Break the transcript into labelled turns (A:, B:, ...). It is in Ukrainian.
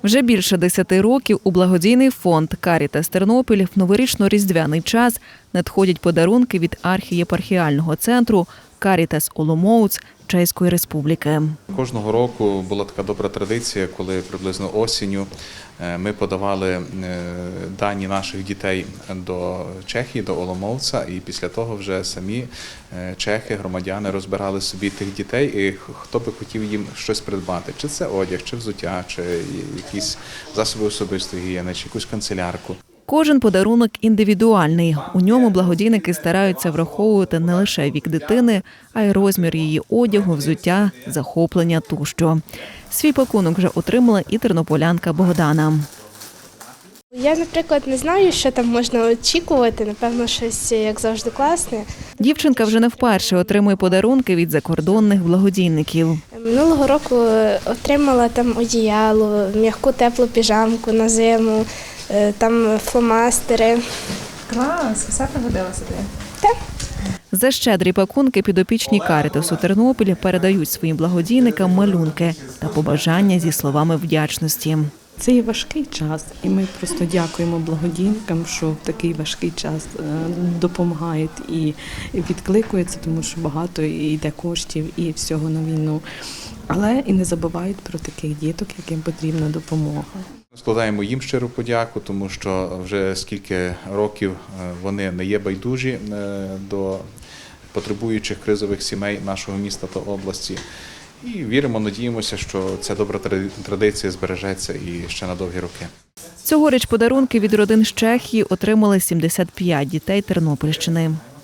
A: Вже більше 10 років у благодійний фонд «Карітас Тернопіль» в новорічно-різдвяний час надходять подарунки від архієпархіального центру «Карітас Оломоуц» Чеської Республіки.
B: Кожного року була така добра традиція, коли приблизно осінню ми подавали дані наших дітей до Чехії, до Оломовця, і після того вже самі чехи, громадяни розбирали собі тих дітей, і хто би хотів їм щось придбати. Чи це одяг, чи взуття, чи якісь засоби особистої гігієни, чи якусь канцелярку.
A: Кожен подарунок індивідуальний. У ньому благодійники стараються враховувати не лише вік дитини, а й розмір її одягу, взуття, захоплення тощо. Свій пакунок вже отримала і тернополянка Богдана.
C: Я, наприклад, не знаю, що там можна очікувати. Напевно, щось, як завжди, класне.
A: Дівчинка вже не вперше отримує подарунки від закордонних благодійників.
C: Минулого року отримала там одіяло, м'яку теплу піжамку на зиму, там фломастери.
D: Клас, все пригодилося тобі?
C: Так.
A: За щедрі пакунки підопічні «Карітасу Тернопіль» передають своїм благодійникам малюнки та побажання зі словами вдячності.
E: Це є важкий час, і ми просто дякуємо благодійникам, що в такий важкий час допомагають і відкликуються, тому що багато йде коштів і всього на війну. Але і не забувають про таких діток, яким потрібна допомога.
B: Складаємо їм щиру подяку, тому що вже скільки років вони не є байдужі до потребуючих кризових сімей нашого міста та області. І віримо, надіємося, що ця добра традиція збережеться і ще на довгі роки.
A: Цьогоріч подарунки від родин з Чехії отримали 75 дітей Тернопільщини.